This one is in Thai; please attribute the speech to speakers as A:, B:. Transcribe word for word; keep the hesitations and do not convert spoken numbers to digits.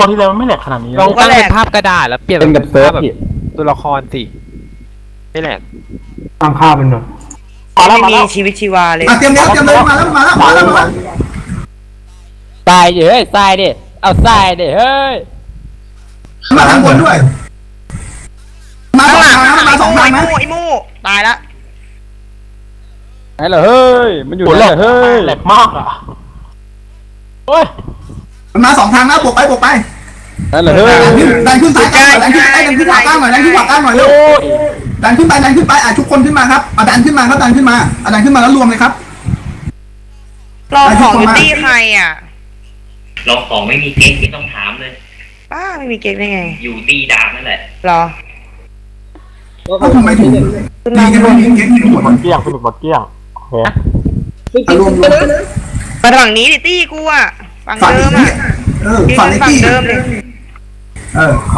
A: ตอนที่แล้วมันไม่แหลกขนาดนี้
B: ลองตั้งเป็นภาพกระดาษแล้วเปลี่ยน
C: เป็นกับเซิร์ฟ
B: แบบ
C: พี่
B: ตัวละครสิไม่แหละ
D: ตั้งค่าเป็นหน่อย
A: มาแล้ว
E: ไม่
A: มา
E: มี
A: แล้ว
E: ชีวิตชีวาเลย
F: อ่ะเตรียมแล้วเตรียมเลยมาแล้วมาแล้วมาแล้วมาแล้ว
C: ทรายดิเฮ้ยทรายดิเอาทรายดิเฮ้ย
F: มาทางบนด้วยมาสองทางนะมาสองทาง
E: ไอ้
F: นะ
E: มูไอ้มูตายละ
C: ไหนเหรอเฮ้ยมันอยู่
A: โห
C: ไห
A: แห
C: น
A: ล
C: เหร
A: ก
C: อเฮ้ย
A: แหลกมากอ่ะโอ้ย
F: มาสองทางนะบวกไปบวกไป
C: ไหนเหรอเฮ้ย
F: ดันขึ้นซ้ายกลางดันขึ้นไอ้ดันขึ้นขวากลางหน่อยดันขึ้นขวากลางหน่อยเร็วดันขึ้นไปดันขึ้นไปอ่ะทุกคนขึ้นมาครับอ่ะดันขึ้นมาครับดันขึ้นมาอ่ะดันขึ้นมาแล้วรวมเลยครับ
E: รอของอยู่ตี้ใครอ่ะ
G: ลองของไม่มีเก๊กไม่ต้องถามเลย
E: ป้าไม่มีเก๊กได้ไง
G: อยู่ตีดาบนั่นแหละ
E: รอ
F: แล้วทำไมถึงตีกันไม่มีเก๊กที่หมด
A: หมดเกลี้ยงฟินิกหมดเกลี้ยงโอเค
F: รวมรวม
E: มาฝั่งนี้ดิตี้กูอ่ะฝั่ง
F: ฝั่ง
E: เดิม
F: นี้
E: อ่ะ
F: เออ
E: ยืน
F: ฝั่งไอ้
E: ฝั่ง
F: ตี้
E: เดิมเลย
F: เออ